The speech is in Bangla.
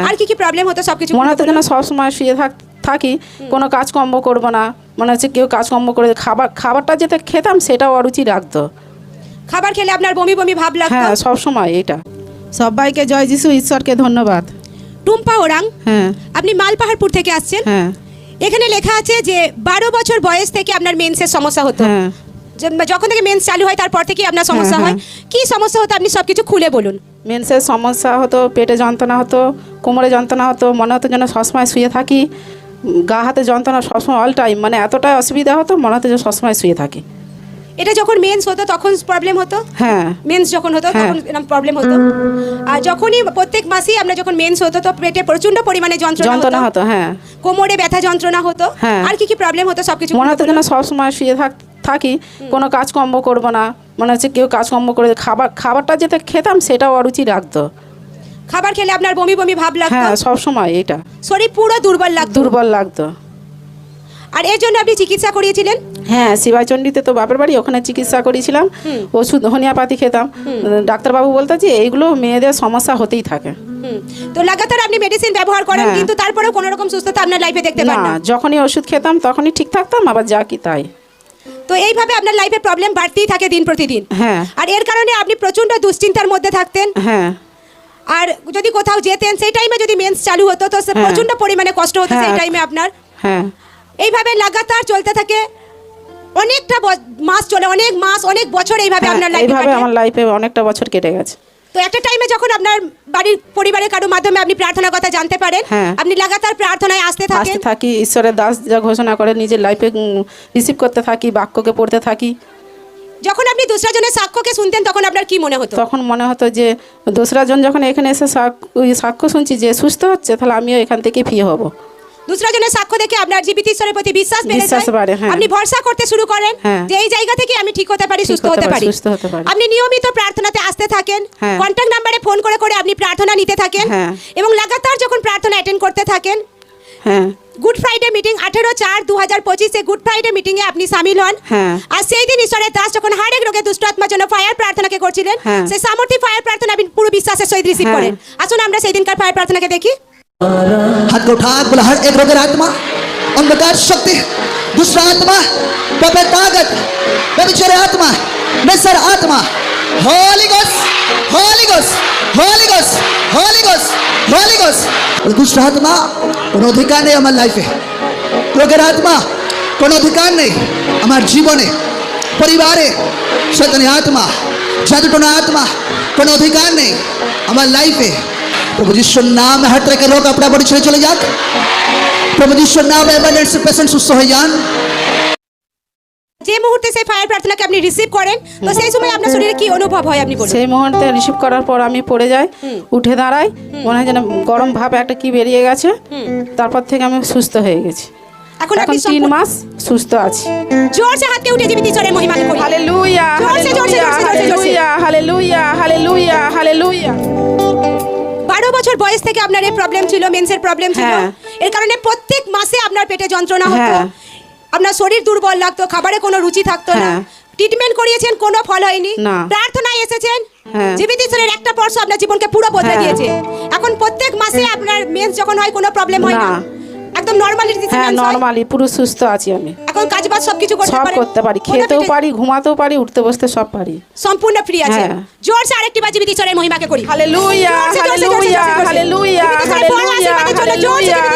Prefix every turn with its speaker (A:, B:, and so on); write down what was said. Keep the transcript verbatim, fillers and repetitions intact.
A: আর কি কি প্রবলেম হতো সবকিছু
B: মনে হতো যেন সবসময় শুয়ে থাক থাকি কোনো কাজকর্ম করবো না, মনে হচ্ছে কেউ কাজকর্ম করে খাবার খাবারটা যেটা খেতাম সেটাও অরুচি রাখতো।
A: খাবার খেলে আপনার বমি বমি ভাব লাগতো?
B: হ্যাঁ, সব সময় এটা। সবাইকে জয় যিশু, ঈশ্বরকে ধন্যবাদ।
A: টুম্পা ওরাং,
B: হ্যাঁ।
A: আপনি মালপাহাড়পুর থেকে আসছেন।
B: হ্যাঁ।
A: এখানে লেখা আছে যে বারো বছর বয়স থেকে আপনার মেন্সের সমস্যা হতো।
B: হ্যাঁ।
A: যখন থেকে মেন্স চালু হয় তারপর থেকে আপনার সমস্যা হয়। কি সমস্যা হতো আপনি সবকিছু খুলে বলুন।
B: মেন্সের সমস্যা হতো, পেটে যন্ত্রণা হতো, কোমরে যন্ত্রণা হতো, মনে হতো যেন সবসময় শুয়ে থাকি, গা হাতে যন্ত্রণা সবসময় অল টাইম, মানে এতটাই অসুবিধা হতো মনে হতো যে সবসময় শুয়ে থাকি।
A: এটা যখন মেন্স হতো তখন প্রবলেম হতো?
B: হ্যাঁ।
A: মেন্স যখন হতো তখন এরকম প্রবলেম হতো। আর যখনই প্রত্যেক মাসেই আমরা যখন মেন্স হতো তো পেটে প্রচন্ড পরিমাণে যন্ত্রণা
B: যন্ত্রণা হতো। হ্যাঁ।
A: কোমরে ব্যথা যন্ত্রণা হতো।
B: হ্যাঁ।
A: আর কি কি প্রবলেম হতো সবকিছু
B: মনে হতো যেন সবসময় শুয়ে থাক থাকি কোনো কাজকর্ম করবো না, মনে হচ্ছে কেউ কাজকর্ম করে খাবার খাবারটা যেটা খেতাম সেটাও অরুচি রাখতো।
A: খাবার খেলে আপনার বমি বমি ভাব লাগতো?
B: হ্যাঁ, সব সময় এটা।
A: শরীর পুরো দুর্বল লাগতো?
B: দুর্বল লাগতো।
A: আর এর জন্য আপনি চিকিৎসা করিয়েছিলেন?
B: হ্যাঁ, শিবাচণ্ডীতে তো বাপের বাড়ি, ওখানে চিকিৎসা করেছিলাম, ওষুধ হোমিওপ্যাথি খেতাম। ডাক্তারবাবু বলতো যে এইগুলো মেয়েদের সমস্যা হতেই থাকে।
A: তো লাগাতার আপনি মেডিসিন ব্যবহার করেন কিন্তু তারপরেও কোনো রকম সুস্থতা আপনার লাইফে দেখতে পান না?
B: যখনই ওষুধ খেতাম তখনই ঠিক থাকতাম, আবার যা কি তাই।
A: তো এইভাবে আপনার লাইফে প্রবলেম বাড়তেই থাকে দিন প্রতিদিন।
B: হ্যাঁ।
A: আর এর কারণে আপনি প্রচন্ড দুশ্চিন্তার মধ্যে থাকতেন।
B: হ্যাঁ।
A: আর যদি কোথাও যেতেন সেই টাইমে যদি মেন্স চালু হতো তো প্রচন্ড পরিমাণে কষ্ট হতো সেই টাইমে আপনার।
B: হ্যাঁ।
A: এইভাবে লাগাতার চলতে থাকে অনেকটা মাস, চলে অনেক মাস, অনেক বছর এইভাবে আপনার লাইফে
B: এইভাবে আমার লাইফে অনেকটা বছর কেটে গেছে।
A: তো একটা টাইমে যখন আপনার বাড়ির পরিবারের কারোর মাধ্যমে আপনি প্রার্থনার কথা জানতে পারেন, আপনি লাগাতার প্রার্থনায় আসতে থাকেন।
B: আসতে থাকি, ঈশ্বরের দাস যা ঘোষণা করে নিজের লাইফে রিসিভ করতে থাকি, বাক্যকে পড়তে থাকি।
A: যখন আপনি দোসরা জনের সাক্ষ্যকে শুনতেন তখন আপনার কি মনে হতো?
B: তখন মনে হতো যে দোসরা জন যখন এখানে এসে সাক্ষ্য শুনছি যে সুস্থ হচ্ছে, তাহলে আমিও এখান থেকে ফ্রি হব।
A: দোসরা জনের সাক্ষ্য দেখে আপনার জীবিত ঈশ্বরের প্রতি বিশ্বাস বেড়ে যায়, আপনি ভরসা করতে শুরু করেন যে এই জায়গা থেকে আমি ঠিক হতে পারি, সুস্থ হতে পারি। আপনি নিয়মিত প্রার্থনাতে আসতে থাকেন, কন্ট্যাক্ট নাম্বারে ফোন করে করে আপনি প্রার্থনা নিতে থাকেন এবং লাগাতার যখন প্রার্থনা অ্যাটেন্ড করতে থাকেন।
B: হ্যাঁ।
A: গুড ফ্রাইডে মিটিং আঠেরো চার দু হাজার পঁচিশে গুড ফ্রাইডে মিটিং এ আপনি সামিল হন। আর সেই দিন ঈশ্বরের দাস যখন হাড়েক রোগে দুষ্ট আত্মার জন্য ফায়ার প্রার্থনাকে করছিলেন, সেই সামর্থ্য ফায়ার প্রার্থনা আপনি পুরো বিশ্বাসের সহিত রিসিভ করেন। আসুন আমরা সেই দিনকার ফায়ার প্রার্থনাকে দেখি।
C: हाथ को उठा बोला हर एक रोगर आत्मा, अंधकार शक्ति, दूसरा आत्मा, पापे ताकत, व्यभिचारी आत्मा, नसर आत्मा, holy ghost, holy ghost, holy ghost, holy ghost, holy ghost. दूसरा आत्मा কোনো অধিকার নেই আমার লাইফে, রোগের আত্মা কোনো অধিকার নেই আমার জীবনে, পরিবারে। শয়তানি আত্মা, জাদুটনা আত্মা কোনো অধিকার নেই আমার লাইফে। प्रभु जिसुर नाम में हर तरह के रोग अपना बड़ी छड़े चले जाक। प्रभु जिसुर नाम में एबंडेंस से पेशेंट सुস্থ হয়ে যান।
A: যে মুহূর্তে সেই ফায়ার প্রার্থনাকে আপনি রিসিভ করেন তো সেই সময় আপনার শরীরে কি অনুভব হয় আপনি বলুন?
B: সেই মুহূর্তে রিসিভ করার পর আমি পড়ে যাই, উঠে দাঁড়াই, মনে হয় যেন গরম ভাব একটা কি বেরিয়ে গেছে। তারপর থেকে আমি সুস্থ হয়ে গেছি।
A: এখন
B: এখন তিন মাস সুস্থ আছি।
A: জোরসে হাতকে উঠে জীবিত ঈশ্বরের মহিমাকে করি।
B: Hallelujah, hallelujah, hallelujah, hallelujah, hallelujah, hallelujah.
A: বারো বছর বয়স থেকে আপনার এই প্রবলেম ছিল, মেন্সের প্রবলেম ছিল। এর কারণে প্রত্যেক মাসে আপনার পেটে যন্ত্রণা হতো, আপনার শরীর দুর্বল লাগতো, খাবারে কোনো রুচি থাকতো না। ট্রিটমেন্ট করিয়েছেন, কোনো ফল হয়নি। প্রার্থনায় এসেছেন, জীবিত ঈশ্বরের একটা স্পর্শ আপনার জীবনকে পুরো বদলে দিয়েছে। এখন প্রত্যেক মাসে আপনার মেন্স যখন হয় কোনো প্রবলেম হয় না, একদম নরমালি দিতে।
B: হ্যাঁ, নরমালি পুরো সুস্থ আছি আমি।
A: এখন কাজবাজ সবকিছু করতে পারি,
B: সব করতে পারি, খেতেও পারি, ঘুমাতেও পারি, উঠতে বসতে সব পারি,
A: সম্পূর্ণ ফ্রি আছে। জোরসে আরেকটি বার জীবিত ঈশ্বরের মহিমাকে করি।
B: Hallelujah, hallelujah, hallelujah, hallelujah, hallelujah.